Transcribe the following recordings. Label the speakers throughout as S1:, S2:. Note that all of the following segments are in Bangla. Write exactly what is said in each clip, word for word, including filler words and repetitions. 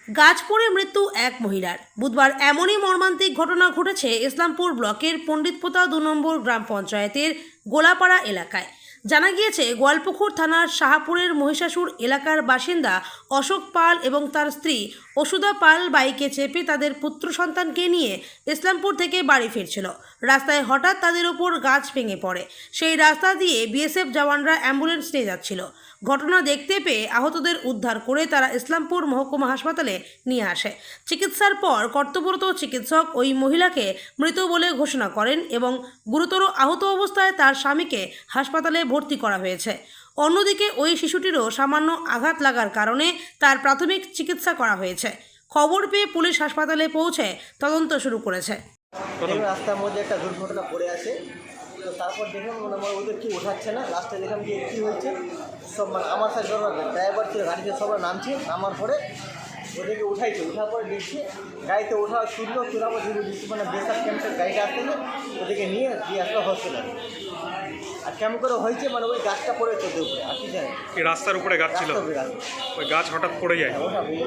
S1: গাছ পড়ে মৃত্যু এক মহিলার। বুধবার এমনই মর্মান্তিক ঘটনা ঘটেছে ইসলামপুর ব্লকের পণ্ডিতপোতা দু নম্বর গ্রাম পঞ্চায়েতের গোলাপাড়া এলাকায়। জানা গিয়েছে, গোয়ালপুকুর থানার শাহপুরের মহিষাসুর এলাকার বাসিন্দা অশোক পাল এবং তার স্ত্রী অসুধা পাল বাইকে চেপে তাদের পুত্র সন্তানকে নিয়ে ইসলামপুর থেকে বাড়ি ফিরছিল। রাস্তায় হঠাৎ তাদের ওপর গাছ ভেঙে পড়ে। সেই রাস্তা দিয়ে বিএসএফ জওয়ানরা অ্যাম্বুলেন্স নিয়ে যাচ্ছিল। ঘটনা দেখতে পেয়ে আহতদের উদ্ধার করে তারা ইসলামপুর মহকুমা হাসপাতালে নিয়ে আসে। চিকিৎসার পর কর্তব্যরত চিকিৎসক ওই মহিলাকে মৃত বলে ঘোষণা করেন এবং গুরুতর আহত অবস্থায় তার স্বামীকে হাসপাতালে ভর্তি করা হয়েছে। অন্যদিকে ওই শিশুটিরও সামান্য আঘাত লাগার কারণে তার প্রাথমিক চিকিৎসা করা হয়েছে। খবর পেয়ে পুলিশ হাসপাতালে পৌঁছে তদন্ত শুরু করেছে।
S2: রাস্তার মধ্যে একটা দুর্ঘটনা পড়ে আছে, তো তারপর দেখলাম মনে হয় ওদের কি ওঠাচ্ছে না। লাস্টে দেখলাম যে কী হয়েছে, সব মানে আমার সাথে ড্রাইভার ছিল, গাড়িতে সবাই নামছে, নামার পরে ওদেরকে উঠাইছে। উঠার পরে দেখছি গাড়িতে ওঠা শুনলো, তোরা মানে বেসার ক্যাম্পের গাড়িটা আসতে ওদেরকে নিয়ে দিয়ে আসলো হসপিটালে। আর কেমন করে হয়েছে মানে ওই গাছটা পড়েছে ওদের উপরে, আর কি জানি
S3: রাস্তার উপরে গাছ ছিল, ওই গাছ হঠাৎ পড়ে যায়।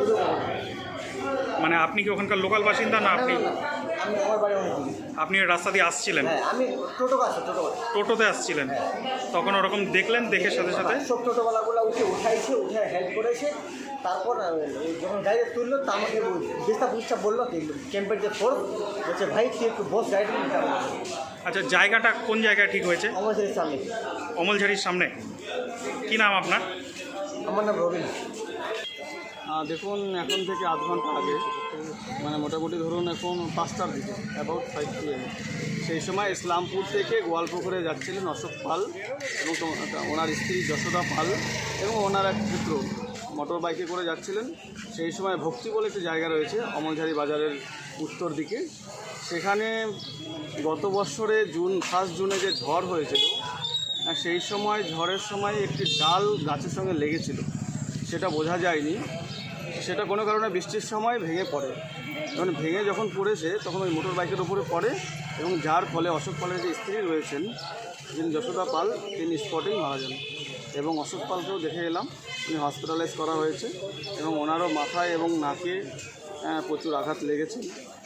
S3: মানে আপনি কি ওখানকার লোকাল বাসিন্দা না? আপনি
S2: আমি আমার বাড়ি অনেক,
S3: আপনি রাস্তা দিয়ে আসছিলেন?
S2: হ্যাঁ, আমি টোটো আছে, টোটো
S3: টোটোতে আসছিলেন, তখন ওরকম দেখলেন, দেখে সাথে সাথে
S2: সব টোটোওয়ালাগুলো উঠে উঠাইছে, উঠে হেল্প করেছে। তারপর যখন গাড়িতে তুললো তা আমাকে বেস্তা বুঝটা বললো ক্যাম্পের যে ফোর্স বলছে, ভাই তুই একটু বস গাড়িটা নিতে হবে।
S3: আচ্ছা, জায়গাটা কোন জায়গায় ঠিক হয়েছে?
S2: অমলঝারির সামনে।
S3: অমলঝারির সামনে। কি নাম আপনার?
S2: আমার নাম রবিন।
S4: দেখুন, এখন থেকে আধ ঘন্টা আগে, মানে মোটামুটি ধরুন এখন পাঁচটার দিকে, অ্যাবাউট ফাইভ পি এম, সেই সময় ইসলামপুর থেকে গোয়ালপুকুরে যাচ্ছিলেন অশোক পাল এবং ওনার স্ত্রী যশোদা পাল এবং ওনার এক পুত্র মোটর বাইকে করে যাচ্ছিলেন। সেই সময় ভক্তি বলে একটি জায়গা রয়েছে অমলঝারি বাজারের উত্তর দিকে। সেখানে গত বছরে জুন ফার্স্ট জুনে যে ঝড় হয়েছিল, সেই সময় ঝড়ের সময় একটি ডাল গাছের সঙ্গে লেগেছিল, সেটা বোঝা যায়নি। সেটা কোনো কারণে বৃষ্টির সময় ভেঙে পড়ে। যখন ভেঙে যখন পড়েছে তখন ওই মোটর বাইকের উপরে পড়ে এবং যার ফলে অশোক পালের যে স্ত্রী রয়েছেন, যিনি যশোদা পাল, তিনি স্পটেই মারা যান। এবং অশোক পালকেও দেখে এলাম, উনি হসপিটালাইজ করা হয়েছে এবং ওনারও মাথায় এবং নাকে প্রচুর আঘাত লেগেছে।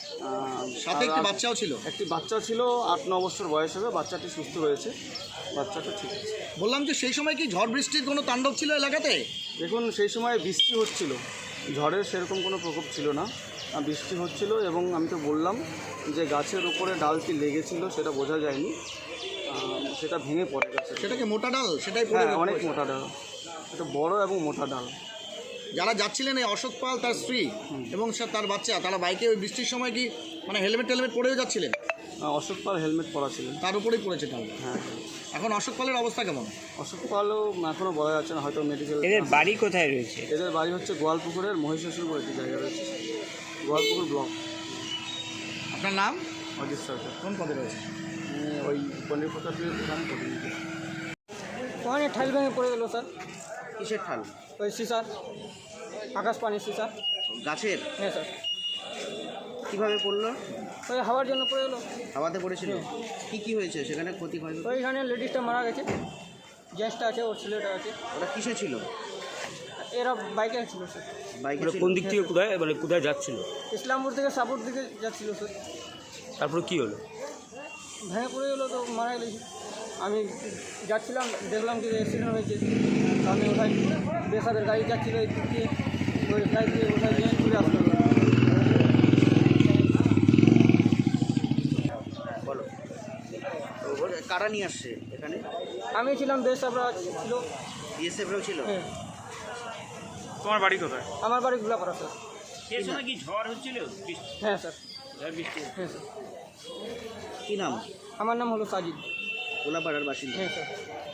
S5: সাথে একটি বাচ্চাও ছিল
S4: একটি বাচ্চা ছিল আট ন বছর বয়স হবে। বাচ্চাটি সুস্থ রয়েছে, বাচ্চাটা ঠিক আছে।
S5: বললাম যে সেই সময় কি ঝড় বৃষ্টির কোনো তাণ্ডব ছিল এলাকাতে?
S4: দেখুন, সেই সময় বৃষ্টি হচ্ছিল, ঝড়ের সেরকম কোনো প্রকোপ ছিল না, বৃষ্টি হচ্ছিল। এবং আমি তো বললাম যে গাছের উপরে ডালটি লেগেছিল, সেটা বোঝা যায়নি, সেটা ভেঙে পড়ে গেছে।
S5: সেটাকে মোটা ডাল? সেটাই
S4: হ্যাঁ, অনেক মোটা ডাল, এটা বড় এবং মোটা ডাল।
S5: যারা যাচ্ছিলেন এই অশোক পাল, তার স্ত্রী এবং তার বাচ্চা, তারা বাইকে ওই বৃষ্টির সময় কি মানে হেলমেট টেলমেট পরেও যাচ্ছিলেন?
S4: অশোক পাল হেলমেট পরা ছিলেন,
S5: তার উপরেই পড়েছে ডাল।
S4: হ্যাঁ।
S5: এখন অশোক পালের অবস্থা কেমন?
S4: অশোক পালও এখনও বলা যাচ্ছে না, হয়তো মেডিকেল।
S6: এদের বাড়ি কোথায় রয়েছে?
S4: এদের বাড়ি হচ্ছে গোয়ালপুকুরের মহিষাসুর বলে একটি জায়গা রয়েছে, গোয়ালপুকুর ব্লক।
S5: আপনার নাম?
S4: অজিত সরকার।
S5: কোন পদে রয়েছে?
S4: ওই পণ্ডিতপোতা দোকানে প্রতিনিধি।
S7: ওখানে ঠাল ভেঙে পড়ে গেলো স্যার।
S2: কিসের ঠাল?
S7: ওই সিসার, আকাশ পানির সিসা।
S2: গাছের?
S7: হ্যাঁ স্যার।
S2: কীভাবে পড়লো?
S7: ওই হাওয়ার জন্য পড়ে গেলো।
S2: হাওয়াতে পড়েছিল? কি কি হয়েছে সেখানে, ক্ষতি হয়?
S7: ওইখানে লেডিসটা মারা গেছে, জেন্টসটা আছে, ওর ছেলেটা আছে।
S2: ওরা কিসে ছিল?
S7: এরা বাইকে ছিল স্যার।
S2: বাইকে ছিল?
S6: কোন দিক থেকে কোথায়, মানে কোথায় যাচ্ছিল?
S7: ইসলামপুর থেকে সাপুর দিকে যাচ্ছিল স্যার।
S6: তারপরে কি হলো?
S7: ভেঙে পড়ে গেলো, তো মারা গেছে। আমি যাচ্ছিলাম, দেখলাম যে অ্যাক্সিডেন্ট হয়েছে, আমি ওঠাই বেসাদের গাড়ি যাচ্ছিলো এই দিক দিয়ে, ওই গাড়ি দিয়ে ওঠাই নিয়ে ঘুরে আসলো।
S2: বলো, কারা নিয়ে আসছে এখানে?
S7: আমি ছিলাম, বেসাবরা ছিল,
S2: বিএসএফরাও ছিল।
S7: হ্যাঁ।
S3: তোমার বাড়ি কোথায়?
S7: আমার বাড়ি গোলাপাড়া স্যার।
S6: সেই সময় কি ঝড় হচ্ছিল?
S7: হ্যাঁ স্যার।
S6: বৃষ্টি?
S7: হ্যাঁ স্যার।
S2: কি নাম?
S7: আমার নাম হলো সাজিদ।
S2: গোলাপাড়ার বাসিন্দা?
S7: হ্যাঁ স্যার।